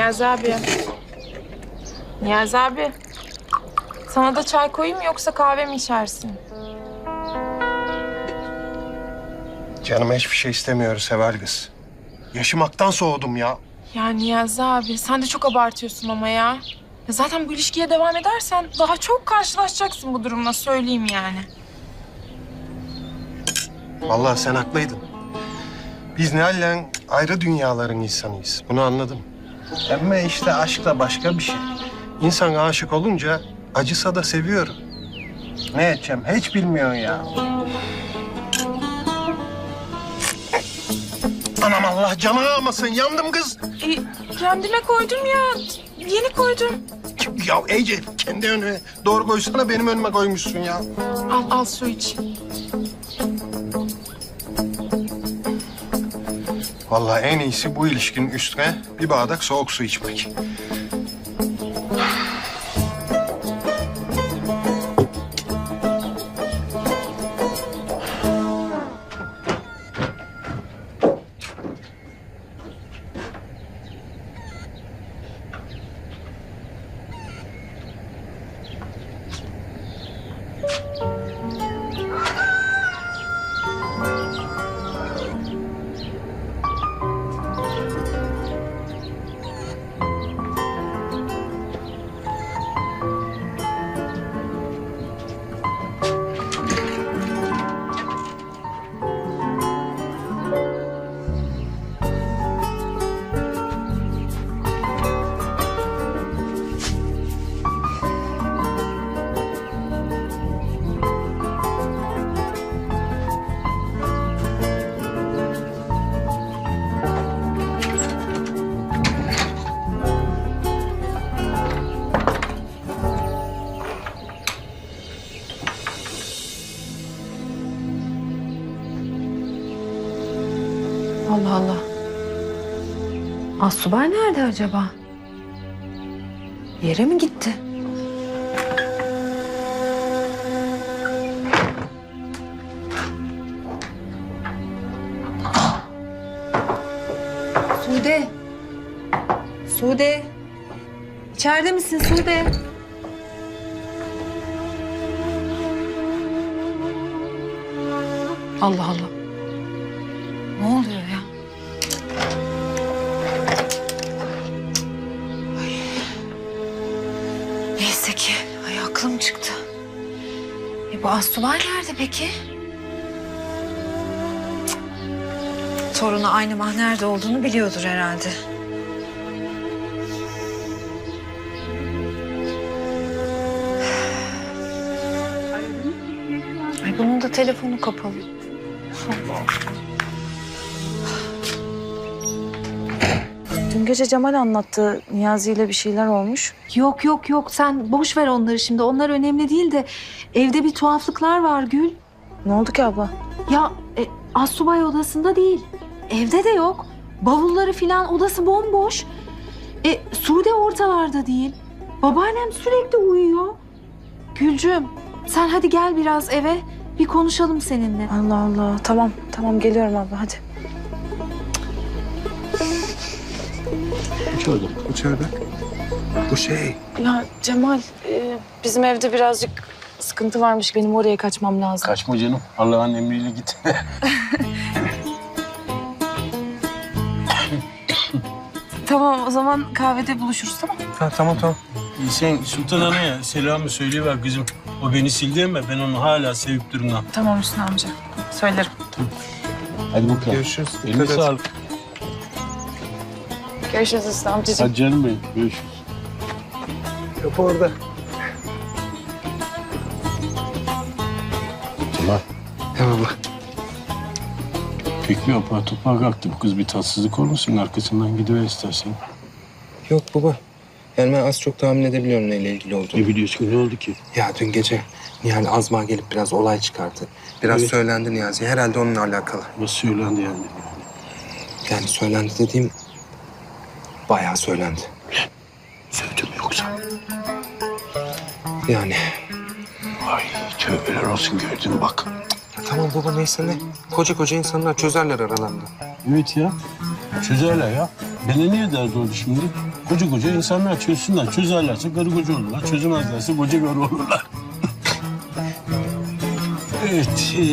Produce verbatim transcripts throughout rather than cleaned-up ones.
Niyazi abi. Niyazi abi. Sana da çay koyayım mı yoksa kahve mi içersin? Canım hiçbir şey istemiyoruz Seval kız. Yaşamaktan soğudum ya. Ya Niyazi abi sen de çok abartıyorsun ama ya. Ya zaten bu ilişkiye devam edersen daha çok karşılaşacaksın bu durumla söyleyeyim yani. Vallahi sen haklıydın. Biz Nihal'le ayrı dünyaların insanıyız. Bunu anladım. Ama işte aşk da başka bir şey. İnsan aşık olunca acısa da seviyor. Ne edeceğim hiç bilmiyorsun ya. Anam Allah canını almasın. Yandım kız. E, kendime koydum ya. Yeni koydum. Ya Ece kendi önüne doğru koysana, benim önüme koymuşsun ya. Al al su iç. Vallahi en iyisi bu ilişkinin üstüne bir bardak soğuk su içmek. Allah Allah. Asubay nerede acaba? Yere mi gitti? Sude. Sude. İçeride misin Sude? Allah Allah. Ne oluyor ya? Ay. Neyse ki. Ay aklım çıktı. E bu Asubay nerede peki? Cık. Torunu aynı mah nerede olduğunu biliyordur herhalde. Ay bunun da telefonu kapalı. Dün gece Cemal anlattı. Niyazi ile bir şeyler olmuş. Yok yok yok sen boş ver onları şimdi. Onlar önemli değil de evde bir tuhaflıklar var Gül. Ne oldu ki abla? Ya e, Asubay odasında değil. Evde de yok. Bavulları filan odası bomboş. E, Sude ortalarda değil. Babaannem sürekli uyuyor. Gülcüm sen hadi gel biraz eve. Bir konuşalım seninle. Allah Allah. Tamam, tamam geliyorum abla hadi. İçeride. İçeride. Bu şey. Ya Cemal, e, bizim evde birazcık sıkıntı varmış. Benim oraya kaçmam lazım. Kaçma canım. Allah'ın emriyle git. Tamam o zaman kahvede buluşuruz tamam mı? Ha, tamam tamam. Sen Sultan Ana'ya selamı söyleyiver kızım. O beni sildi ama ben onu hala sevip durumdan. Tamam Hüsnü amca. Söylerim. Hadi bakalım. Görüşürüz. Eline Dikkat et. sağlık. Görüşürüz Hüsnü amcacığım. Hadi canım benim. Görüşürüz. Kapı orada. Tamam. Eyvallah. Peki apar topar kalktı. Bu kız bir tatsızlık olmasın. Arkasından gidiver istersen. Yok baba. Yani ben az çok tahmin edebiliyorum neyle ilgili olduğunu. Ne biliyorsun? Ne oldu ki? Ya dün gece Nihal Azma gelip biraz olay çıkardı. Biraz Evet. söylendi Niyazi. Herhalde onunla alakalı. Nasıl söylendi yani? Yani söylendi dediğim bayağı söylendi. Sövdüm yoksa? Yani. Ay tövbeler olsun gördün mü bak. Ya tamam baba neyse ne. Koca koca insanlar çözerler aralarında. Evet ya. Çözerler ya. Bana niye derdi oldu şimdi? koca koca insanlar çözsünler. Çözerlerse karı koca olurlar. Çözemezlerse koca karı olurlar. Evet. E,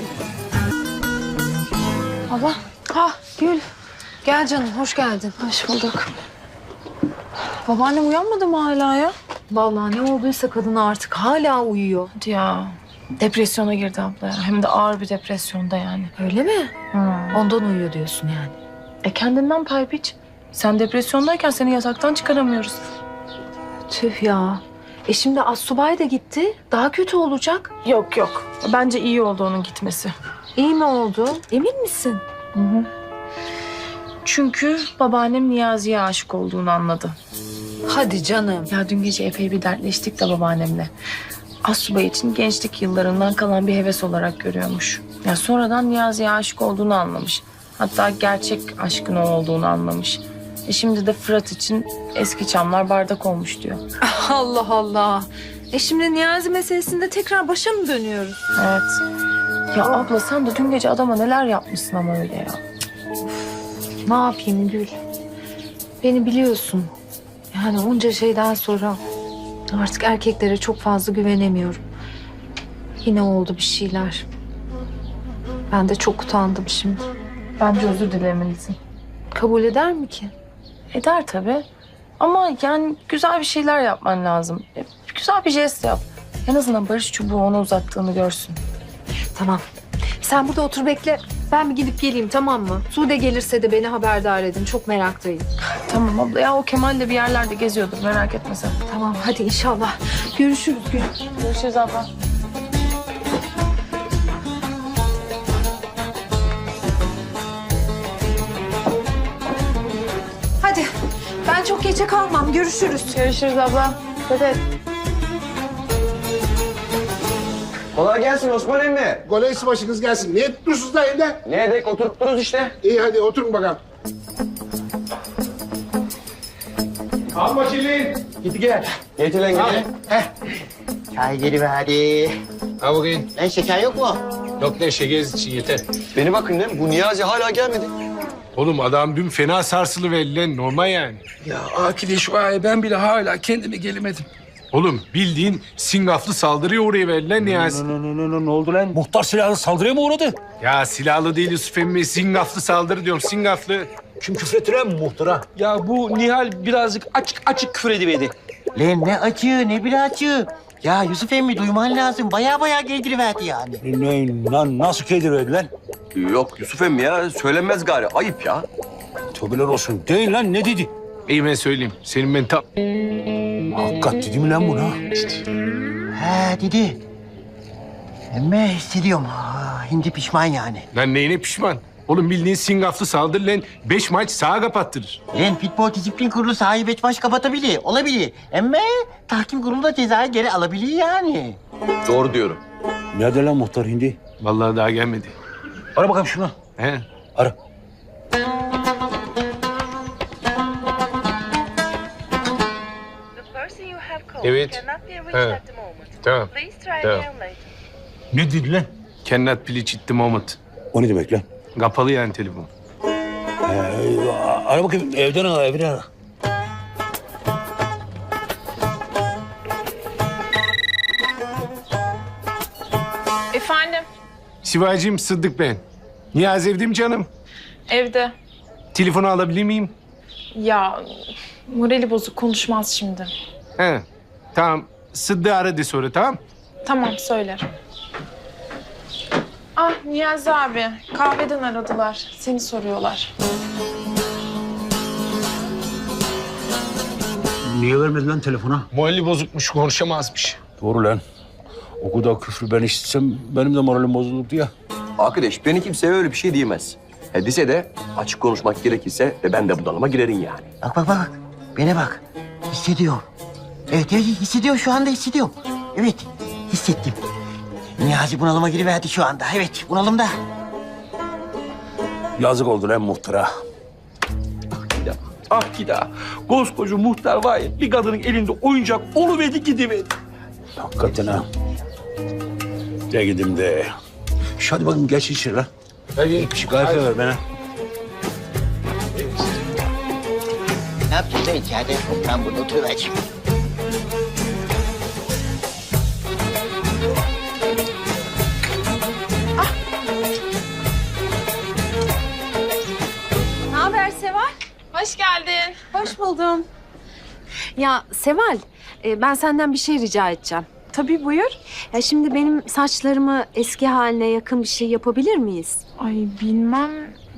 Baba. Ha Gül. Gel canım, hoş geldin. Hoş bulduk. Babaannem uyanmadı mı hala ya? Vallahi ne olduysa kadın artık hala uyuyor. Hadi ya. Depresyona girdi abla ya. Hem de ağır bir depresyonda yani. Öyle mi? Hı. Ondan uyuyor diyorsun yani. E kendinden pay biç. Sen depresyondayken seni yataktan çıkaramıyoruz. Tüh ya. E şimdi Assubay da gitti. Daha kötü olacak. Yok yok. Bence iyi oldu onun gitmesi. İyi mi oldu? Emin misin? Hı hı. Çünkü babaannem Niyazi'ye aşık olduğunu anladı. Hadi canım. Ya dün gece epey bir dertleştik de babaannemle. Assubay için gençlik yıllarından kalan bir heves olarak görüyormuş. Ya sonradan Niyazi'ye aşık olduğunu anlamış. Hatta gerçek aşkın o olduğunu anlamış. E şimdi de Fırat için eski çamlar bardak olmuş diyor. Allah Allah. E şimdi Niyazi meselesinde tekrar başa mı dönüyoruz? Evet. Ya abla sen de dün gece adama neler yapmışsın ama öyle ya. Ne yapayım Gül? Beni biliyorsun. Yani onca şeyden sonra artık erkeklere çok fazla güvenemiyorum. Yine oldu bir şeyler. Ben de çok utandım şimdi. Bence özür dilemelisin. Kabul eder mi ki? Eder tabii. Ama yani güzel bir şeyler yapman lazım. E, Güzel bir jest yap. En azından barış çubuğu ona uzattığını görsün. Tamam. Sen burada otur bekle. Ben bir gidip geleyim, tamam mı? Sude gelirse de beni haberdar edin. Çok meraktayım. Tamam abla ya o Kemal de bir yerlerde geziyordur merak etme sen. Tamam hadi inşallah. Görüşürüz Gül. Görüşürüz abla. Hadi. Ben çok geçe kalmam. Görüşürüz. Görüşürüz abla. Dikkat et. Kolay gelsin Osman emmi. Kolaysı başınız gelsin. Niye tutmuşsunuz da evde? Ne edek oturup dururuz işte. İyi hadi oturun bakalım. Al bakayım. Git gel. Getir lan Al. gel. Çay geliverdi. Al bakayım. Lan şeker yok mu? Yok ne şeker için yeter. Beni bakın lan bu Niyazi hala gelmedi. Oğlum adam dün fena sarsılı lan normal yani. Ya Akide şu ay ben bile hala kendime gelemedim. Oğlum bildiğin singaflı saldırıya uğraya verilen Niyazi. ne, ne, ne, ne oldu lan? Muhtar silahlı saldırıya mı uğradı? Ya silahlı değil Yusuf emmi singaflı saldırı diyorum singaflı. Kim küfretti lan muhtara? Ya bu Nihal birazcık açık açık küfür ediverdi. Lan ne açığı ne bir açığı. Ya Yusuf emmi duyman lazım. Baya baya giydiriverdi yani. Ne, lan nasıl kedir lan? Yok Yusuf emmi ya söylenmez gari ayıp ya. Tövbeler olsun. Değil lan ne dedi? İyi ben söyleyeyim. Senin ben tam... Hakikat dedi mi lan buna? He dedi. Ama hissediyorum. Ha, hindi pişman yani. Lan neyine pişman? Oğlum bildiğin singaflı saldırı lan beş maç sağa kapattırır. Lan futbol disiplin kurulu sahibi beş maç kapatabilir. Olabilir. Ama tahkim kurulu da cezayı geri alabilir yani. Doğru diyorum. Nerede lan muhtar hindi? Vallahi daha gelmedi. Ara bakalım şuna. He. Ara. Evet. He. Tamam. Tamam. Ne dedi lan? Cannot please at the moment. O ne demek lan? Kapalı yani telefon. Ee, ara bakayım evden ara evden ara. Efendim? Sivacığım Sıddık ben. Niyazi evde mi canım? Evde. Telefonu alabilir miyim? Ya morali bozuk konuşmaz şimdi. He. Tamam. Sıddık'ı ara de sonra tamam. Tamam söylerim. Ah Niyazi abi kahveden aradılar. Seni soruyorlar. Niye vermedi lan telefona? Morali bozukmuş, konuşamazmış. Doğru lan. O kadar küfrü ben işitsem benim de moralim bozulurdu ya. Arkadaş beni kimseye öyle bir şey diyemez. He dese de açık konuşmak gerekirse de ben de bunalıma girerim yani. Bak bak bak. Bana bak. Hissediyor. Evet, evet hissediyor. Şu anda hissediyor. Evet hissettim. Niyazi bunalıma giriverdi şu anda. Evet bunalımda. Yazık oldu lan muhtara. Ya Akide koskoca muhtar var ya bir kadının elinde oyuncak oluverdi gidiverdi. Hakikaten ha. De gidim de. Şu hadi bakayım geç içeri lan. Hadi. Bir şey kahve ver bana. Ne Şurada içeride ben burada oturuvereceğim. Ne haber Seval? Hoş geldin. Hoş buldum. Ya Seval, e, ben senden bir şey rica edeceğim. Tabii buyur. Ya şimdi benim saçlarımı eski haline yakın bir şey yapabilir miyiz? Ay bilmem.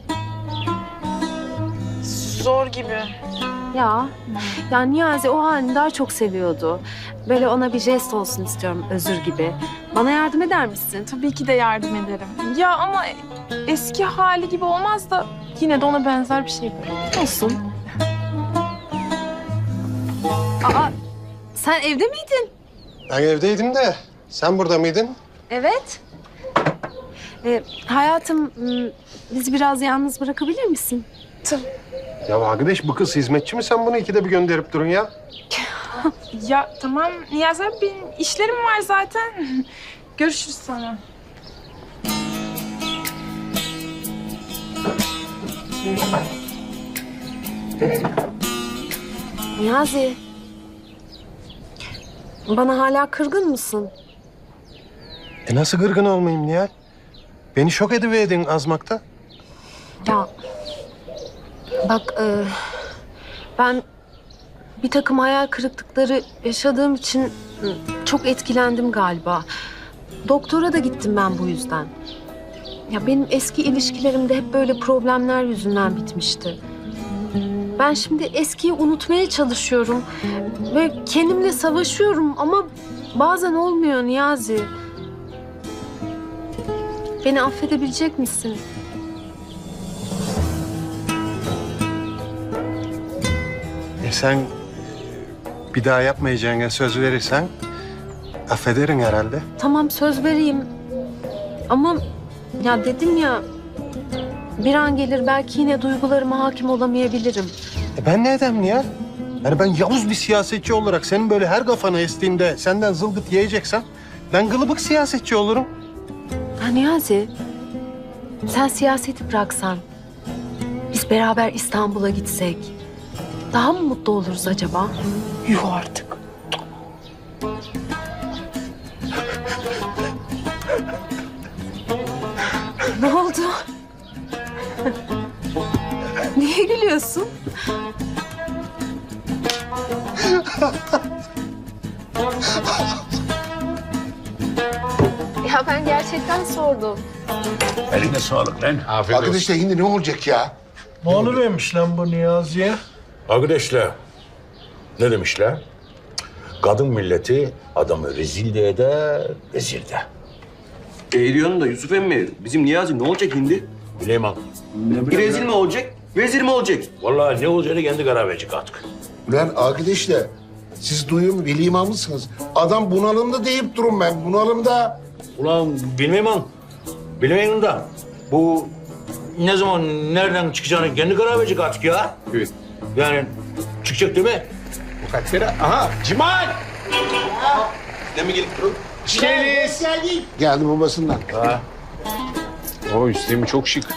Zor gibi. Ya, ya Niyazi o halini daha çok seviyordu. Böyle ona bir jest olsun istiyorum, özür gibi. Bana yardım eder misin? Tabii ki de yardım ederim. Ya ama eski hali gibi olmaz da yine de ona benzer bir şey böyle. Olsun. Aa, sen evde miydin? Ben evdeydim de sen burada mıydın? Evet. Ee, hayatım, m, bizi biraz yalnız bırakabilir misin? Ya arkadaş bu kız hizmetçi mi, sen bunu ikide bir gönderip durun ya? Ya tamam Niyazi abi, benim işlerim var zaten. Görüşürüz sonra. Niyazi. Bana hala kırgın mısın? E nasıl gırgın olmayayım Nihal? Beni şok ediverdin azmakta. Ya bak e, ben bir takım hayal kırıklıkları yaşadığım için e, çok etkilendim galiba. Doktora da gittim ben bu yüzden. Ya benim eski ilişkilerimde hep böyle problemler yüzünden bitmişti. Ben şimdi eskiyi unutmaya çalışıyorum ve kendimle savaşıyorum ama bazen olmuyor Niyazi. Beni affedebilecek misin? E sen bir daha yapmayacağına söz verirsen affederim herhalde. Tamam, söz vereyim. Ama ya dedim ya, bir an gelir belki yine duygularıma hakim olamayabilirim. E ben ne edem Nihal? Yani ben yavuz bir siyasetçi olarak senin böyle her kafana estiğinde senden zılgıt yiyeceksem ben gılıbık siyasetçi olurum. Ha Niyazi, sen siyaseti bıraksan, biz beraber İstanbul'a gitsek daha mı mutlu oluruz acaba? Yuh artık. Ne oldu? Niye gülüyorsun? Ya ben gerçekten sordum. Eline sağlık lan. Afiyet olsun. Arkadaşlar şimdi ne olacak ya? Ne oluvermiş lan bu Niyazi'ye? Arkadaşlar ne demişler? Kadın milleti adamı rezil de eder, vezir de. E diyorsun da Yusuf emmi, bizim Niyazi ne olacak şimdi? Bileyim Rezil mi olacak, vezir mi olacak? Vallahi ne olacağını kendi karar verecek artık. Ulan arkadaşlar siz duyuyor veli imamısınız. Adam bunalımda deyip durun ben. Bunalımda. Ulan bilmem bilmem da bu ne zaman nereden çıkacağını kendi karar verecek artık ya. Evet. Yani çıkacak değil mi? Bu kaç kere? Aha Cimal! Ne mi gelip durun? Hoş geldiniz. Geldi babasından. O üstemi çok şık.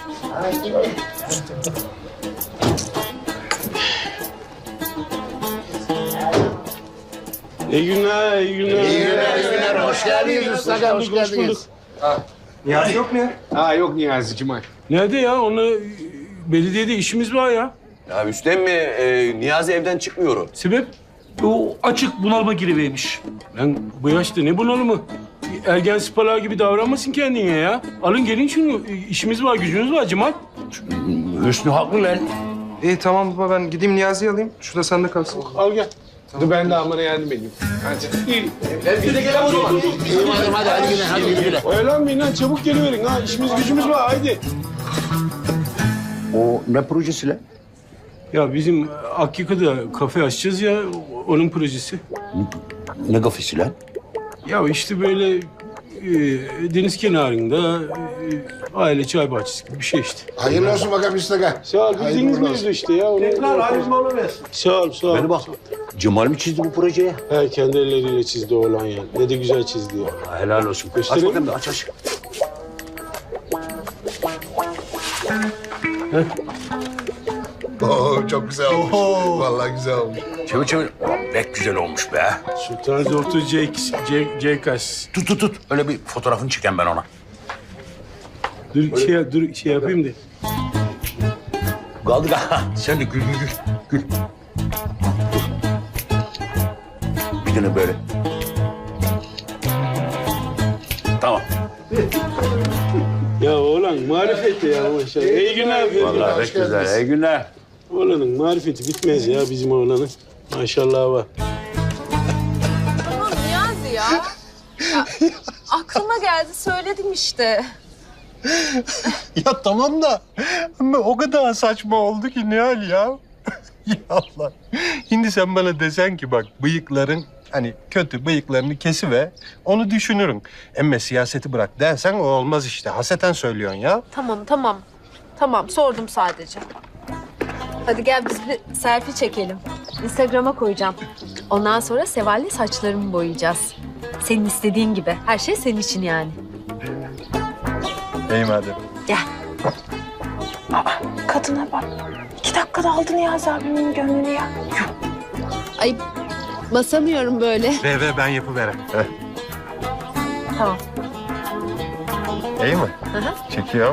İyi günler, iyi günler. İyi günler, iyi günler. Hoş geldiniz Mustafa, hoş bulduk. geldiniz. Niyazi yok mu ya? Ha yok Niyazi Cimal. Nerede ya? Onu belediyede işimiz var ya. Ya Üstem mi, e, Niyazi evden çıkmıyor. Sebep? O açık bunalıma girivermiş. Lan bu yaşta ne bunalımı? Ergen spalağı gibi davranmasın kendine ya. Alın gelin şunu. İşimiz var, gücümüz var Cemal. Hüsnü haklı lan. İyi tamam baba ben gideyim Niyazi'yi alayım. Şurada sende kalsın. Al gel. Dur ben de amana yardım edeyim. Hadi. İyi. Hadi hadi hadi güne hadi güne. Oyalanmayın lan, çabuk geliverin ha. İşimiz gücümüz var, haydi. O ne projesi lan? Ya bizim Akyaka'da kafe açacağız ya, onun projesi. Ne kafesi lan? Ya işte böyle e, deniz kenarında e, aile çay bahçesi gibi bir şey işte. Hayırlı olsun bakalım Mustafa. Sağ ol, bildiğiniz Hayırlı olsun. mevzu işte ya. Tekrar hayırlı olsun versin. Sağ ol, sağ ol. Beni bak. Cemal mi çizdi bu projeyi? He, kendi elleriyle çizdi oğlan ya. Ne de güzel çizdi ya. Ha, helal olsun. Aç Gösterelim bakalım mi? da aç aç. Oo, çok güzel olmuş. Vallahi güzel olmuş. Çevir çevir. Pek güzel olmuş be. Sultan Zortu C, C, C kaç. Tut tut tut. Öyle bir fotoğrafını çeken ben ona. Dur şey, dur şey yapayım da. Kaldı ha. Sen de gül gül gül. Gül. Dur. Bir tane böyle. Tamam. Ya oğlan marifet ya maşallah. İyi günler. Vallahi pek güzel. İyi günler. Oğlanın marifeti bitmez ya bizim oğlanın. Maşallah var. Tamam Niyazi ya. ya. Aklıma geldi söyledim işte. Ya tamam da ama o kadar saçma oldu ki Nihal ya. Ya Allah. Şimdi sen bana desen ki bak bıyıkların hani kötü bıyıklarını kesive onu düşünürüm. Ama siyaseti bırak dersen o olmaz işte. Haseten söylüyorsun ya. Tamam tamam. Tamam sordum sadece. Hadi gel biz bir selfie çekelim. Instagram'a koyacağım. Ondan sonra Seval'le saçlarımı boyayacağız. Senin istediğin gibi. Her şey senin için yani. İyi madem. Gel. Kadına bak. İki dakikada aldın Niyazi abimin gönlünü ya. Ay basamıyorum böyle. Ve ve ben yapıverem. Heh. Tamam. İyi mi? Hı hı. Çekiyor.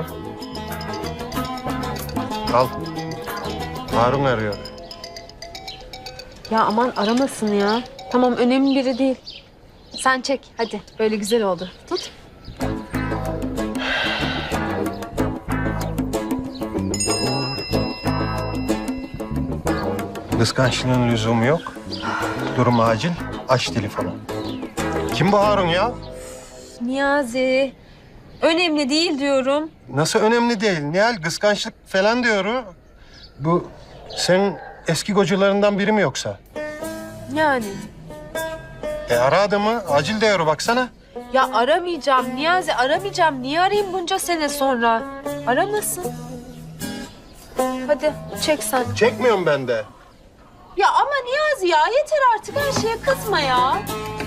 Al. Harun arıyor. Ya aman aramasın ya. Tamam önemli biri değil. Sen çek hadi. Böyle güzel oldu. Tut. Kıskançlığın lüzumu yok. Durum acil. Aç telefonu. Kim bu Harun ya? Niyazi. Önemli değil diyorum. Nasıl önemli değil? Nihal kıskançlık falan diyor. Bu senin eski kocalarından biri mi yoksa? Yani. E ara adamı. Acil diyor baksana. Ya aramayacağım Niyazi aramayacağım. Niye arayayım bunca sene sonra? Aramasın. Hadi çek sen. Çekmiyorum ben de. Ya ama Niyazi ya yeter artık her şeye kızma ya.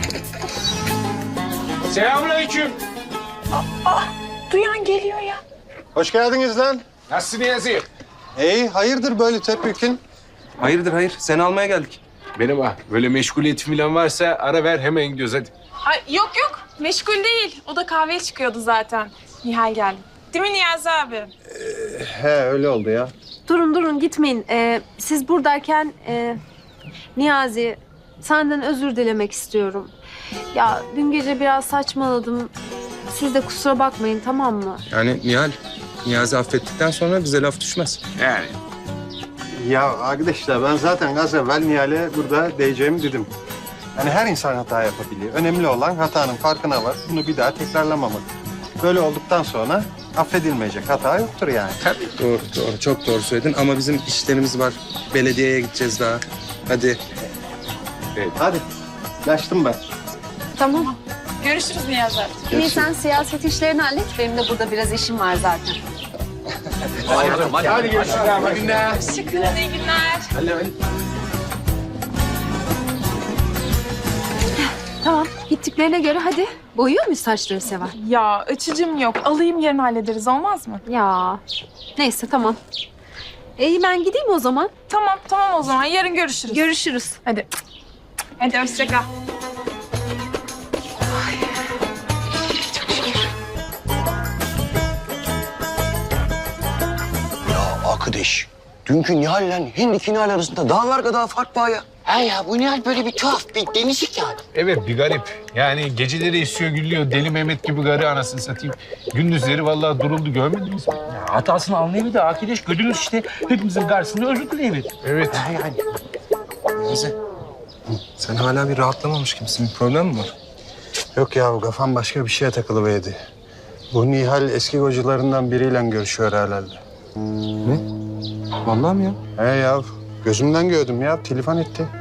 Selamünaleyküm. Duyan geliyor ya. Hoş geldiniz lan. Nasılsın Niyazi? İyi, hayırdır böyle tepkikin? Hayırdır hayır. Seni almaya geldik. Benim bak böyle meşguliyet falan varsa ara ver hemen gidiyoruz hadi. Ay yok yok. Meşgul değil. O da kahveye çıkıyordu zaten. Nihal geldi. Değil mi Niyazi abi? He öyle oldu ya. Durun durun gitmeyin. Ee, siz buradayken e, Niyazi senden özür dilemek istiyorum. Ya dün gece biraz saçmaladım. Siz de kusura bakmayın tamam mı? Yani Nihal, Niyazi affettikten sonra bize laf düşmez. Yani. Ya arkadaşlar ben zaten az evvel Nihal'e burada diyeceğimi dedim. Yani her insan hata yapabiliyor. Önemli olan hatanın farkına var. Bunu bir daha tekrarlamamak. Böyle olduktan sonra affedilmeyecek hata yoktur yani. Tabii. Doğru, doğru. Çok doğru söyledin ama bizim işlerimiz var. Belediyeye gideceğiz daha. Hadi. Evet. Hadi. Kaçtım ben. Tamam. Görüşürüz Niyazi abi. İyi sen siyaset işlerini hallet. Benim de burada biraz işim var zaten. Hadi, hadi, hadi görüşürüz. İyi günler. Hoşçakalın, iyi günler. Tamam. Gittiklerine göre hadi. Boyuyor muyuz saçları Seval? Ya açıcım yok. Alayım yarın hallederiz olmaz mı? Ya. Neyse tamam. İyi ben gideyim o zaman. Tamam tamam o zaman yarın görüşürüz. Görüşürüz. Hadi. Hadi hoşça kal. Ya arkadaş, dünkü Nihal'le Hindiki Nihal arasında dağlar kadar fark var ya. Ha ya bu Nihal böyle bir tuhaf, bir değişik yani. Evet bir garip. Yani geceleri esiyor gülüyor. Deli Mehmet gibi garı anasını satayım. Gündüzleri vallahi duruldu görmediniz mi? Hatasını anlayabilir arkadaş. Gördünüz işte hepimizin karşısında özür dileyebilir. Evet. Ha yani. Niyazi, sen hala bir rahatlamamış gibisin. Bir problem mi var? Yok ya kafam başka bir şeye takılıverdi. Bu Nihal eski kocalarından biriyle görüşüyor herhalde. Ne? Vallahi mi ya? He ya gözümden gördüm ya telefon etti.